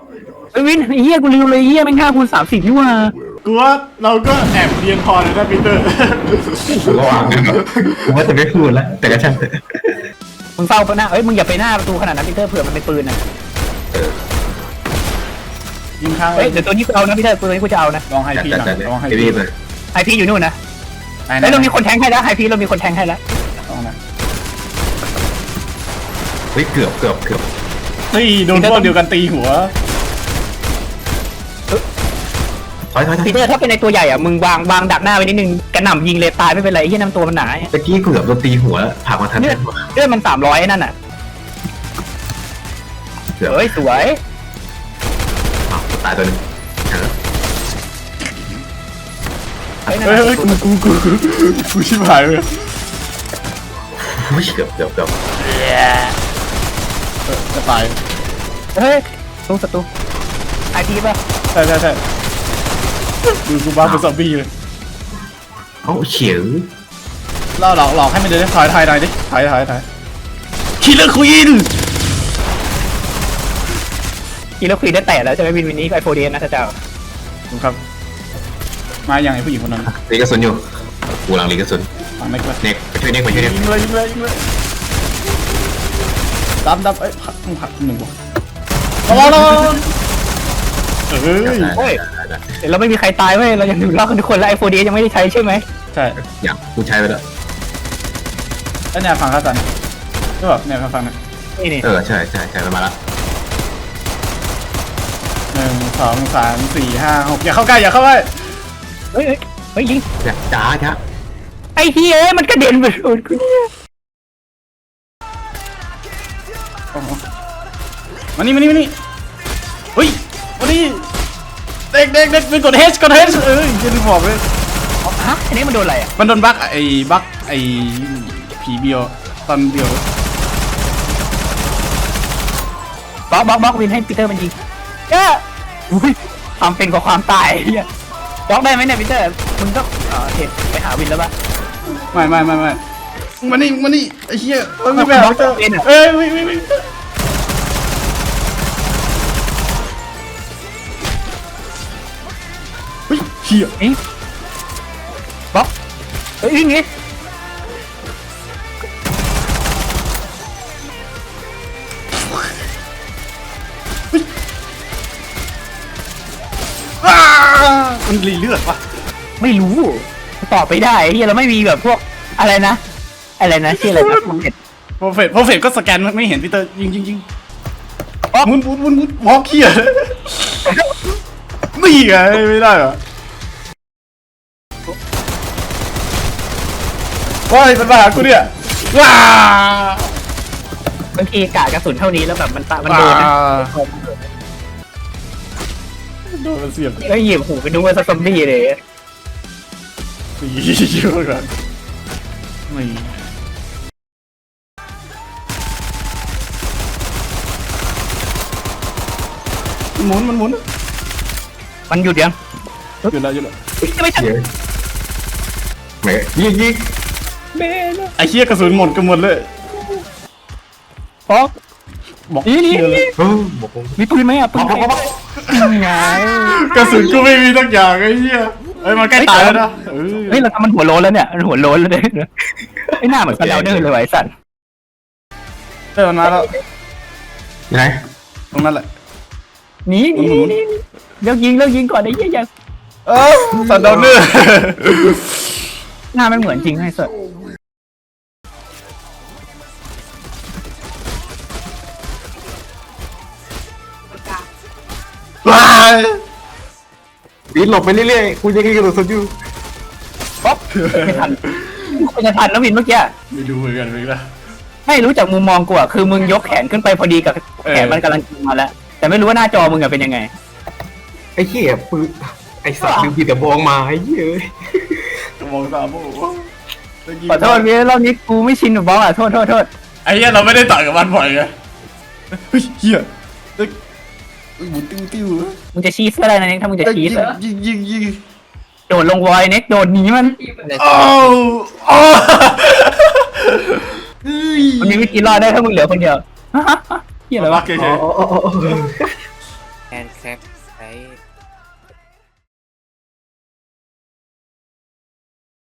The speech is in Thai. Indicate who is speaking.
Speaker 1: ไอ้วินไอ้เหี้ยกูลืมเลยเหี้ยแม่ง5 คูณ 30นี่ว่า
Speaker 2: กูว่าเราก็แอบเรียนพอเลยนะปีเตอร์
Speaker 3: ผมก็วางกันผมว่าจะไม่พูดแล้วแต่ก็ช่างเถอะ
Speaker 1: มึงเฝ้าหน้ามึงอย่าไปหน้าประตูขนาดนั้นพีเตอร์เผื่อมันเป็นปืนนะ
Speaker 2: ยิงข้างเล
Speaker 1: เฮ้ย
Speaker 2: ย
Speaker 1: เดี๋ยวตัวนี้กูเอานะพีเตอร์ตัวนี้กูจะเอานะ
Speaker 2: ลองไฮ
Speaker 3: จัด
Speaker 2: พี
Speaker 3: จัด
Speaker 2: หน่
Speaker 3: จั
Speaker 2: อ
Speaker 3: ด
Speaker 2: ยลองไฮ
Speaker 3: เอ
Speaker 2: พี
Speaker 3: วีเลย
Speaker 1: ไอพีอยู่นู่นนะ
Speaker 2: ไอ้
Speaker 1: เฮ้ยเรามีคนแทงให้แล้วไอพีเรามีคนแทงให้แล้ว
Speaker 2: ลองนะ
Speaker 3: เฮ้ยเกือบ
Speaker 2: ตีโดนพวกเดียวกันตีหัว
Speaker 3: ถอย
Speaker 1: พีเตอร์ถ้าเป็นในตัวใหญ่อ่ะมึงวางดักหน้าไว้นิดนึงกระหน่ำยิงเลยตายไม่เป็นไรไอ้เหี้ยน้ำตัวมันหนา
Speaker 3: ตะกี้เกือบโดนตีหัวผ่ามาทัน
Speaker 1: เลือดมัน300นั่นน่ะ
Speaker 3: เกือบ
Speaker 1: เฮ้ยสวย
Speaker 3: ตายตัวนึง
Speaker 1: เฮ้ย
Speaker 2: เฮ้ยกูชิบหายเลย
Speaker 3: เกือบ
Speaker 2: จะตาย
Speaker 1: เฮ้ยศัตรูไอพีป่ะ
Speaker 2: ใช่ดูกูบ้าเป็นซอมบี้เลย
Speaker 3: เอ้าเฉียว
Speaker 2: ล่อหลอกให้มันเดินถอยหน่อยดิถอยคิลเลอร์ควีน
Speaker 1: กีแล้วคุยได้แต่แล้วจะไม่วินนี้ไอโฟเดียนนะเจ้า
Speaker 2: ดูครับมาอย่างไอ้ผู้หญิงคนนั้น
Speaker 3: ลีกระสุนอยู่กูหลังลีกระสุน
Speaker 2: มาไม่กล้า
Speaker 3: เน็กไปช่วยเน็ก
Speaker 2: ยิงเลยดับเอ้ยผักหนึ่งวะระวัง
Speaker 1: เฮ้ยเดี๋ยวเราไม่มีใครตายเว้ยเรายังอยู่รอดกันทุกคนแล้วไอโฟเดียยังไม่ได้ใช้ใช่ไหม
Speaker 2: ใช่
Speaker 3: อย่างกูใช้ไปแล้ว
Speaker 2: แล้วเนี่ยฟังข้าสันก็แบบเนี่ยฟังนะ
Speaker 1: นี่
Speaker 3: ใช่มันมาละ
Speaker 2: 1 2 3 4 5 6อย่าเข้าใกล้
Speaker 1: เฮ้ยยิง
Speaker 3: จ้า
Speaker 1: ไอ้เฮียมันกระเด็นไปโดนกูเนี่ย
Speaker 2: มานี่เฮ้ยวันนี้เด็กเป็นกดเฮชจะดูบอกเลย
Speaker 1: ฮะอันนี้มันโดนอะไรอ่ะ
Speaker 2: มันโดนบั๊กไอ้ผีเบียวตอนเบียว
Speaker 1: บล็อกวินให้ปีเตอร์มันยิงอุ้ยความเป็นกับความตายเฮียบล็อกได้ไหมเนี่ยปีเตอร์มึงก็เห็นไปหาวินแล้วป่ะ
Speaker 2: ไม่มานี่ไอ้เหี้ยไม่แบบเอ้ยวิ่งเฮ้ยเหี้ย
Speaker 1: นี่บล็อกเฮ้ยยิงงี้
Speaker 2: มันรีเลือดวะ
Speaker 1: ไม่รู้ตอบไปได้เฮียเราไม่มีแบบพวกอะไรนะชื่ออะไรนะมันเห็น
Speaker 2: โปรเฟตก็สแกนไม่เห็นพีเตอร์ยิงมุนวอล์กเหี้ยนี่ไงไม่ได้เหรอว้ายมันมาหากูเนี่ยว้า
Speaker 1: บางทีกะกระสุนเท่านี้แล้วแบบมันโดนนะ
Speaker 2: โดนมันเสียบ
Speaker 1: แล้วเหยียบหูไปดูว่าซอมบี้เลย
Speaker 2: เยอะกันไม่หมุน
Speaker 1: มันหยุดยัง
Speaker 2: หยุดแล้ว
Speaker 1: ไม่ทัน
Speaker 3: เฉียวไหนยิง
Speaker 1: เบล
Speaker 2: ไอ้เหี้ยกระสุนหมดกันหมดเลย
Speaker 1: ป๊อก
Speaker 2: บอก
Speaker 1: นี่
Speaker 2: เหี้ยเลย
Speaker 3: บอกผม
Speaker 1: มีปืนไหมอ่ะปืนไง
Speaker 2: กระสุนกูไม่มีสักอย่างไอ้เหี้ยเอ้ยมันใกล้ตายแล้วนะ
Speaker 1: เฮ้ยเราทำมันหัวโลนแล้วเนี่ยมันหัวโลนแล้วเนี่ยไอ้หน้าเหมือนกันแล้วเดินเลยไอ้สัตว์
Speaker 2: เออมันมาแล้ว
Speaker 3: ยังไง
Speaker 2: ตรงนั้นแหละ
Speaker 1: หนีเลิกยิงก่อนไอ้เหี้ยยัง
Speaker 2: สันดอนเนอร์
Speaker 1: หน้าไม่เหมือนจริงให้สัตว์
Speaker 2: ว้าย
Speaker 3: ปีนหลบไปเรื่อยๆกูยังกระโดดสดอยู่
Speaker 1: ป๊อกไม่ทันไม่ทันแล้ววินเมื่อกี้
Speaker 2: ไม่ดูเหมือนกันเลยนะ
Speaker 1: ไม่รู้จากมุมมองกูอ่ะคือมึงยกแขนขึ้นไปพอดีกับแขนมันกำลังมาแล้วแต่ไม่รู้ว่าหน้าจอมึงอะเป็นยังไง
Speaker 3: ไอ้เหี้ยปืนไอ้สัตว์ลืมปีแต่บองมาไอ้เหี้ย
Speaker 2: มองตาโบ้
Speaker 1: ขอโทษพี่รอบนี้กูไม่ชินกับบล็อกอ่ะโทษ
Speaker 2: ไอ้เหี้ยเราไม่ได้ต่อยกับมันบ่อยไงเฮ้ยเหี้ยหมุนติ้ว
Speaker 1: มึงจะชี้เสื้ออะไรนะเน็กถ้ามึงจะชี้เสื้อ
Speaker 2: ยิง
Speaker 1: โดดลงวอยเน็กโดดหนีมัน
Speaker 2: โอ้
Speaker 1: มันมีวิธีรอดได้ถ้ามึงเหลือคนเดียวเฮียอะไรวะ
Speaker 2: เฉย
Speaker 3: แคปใช้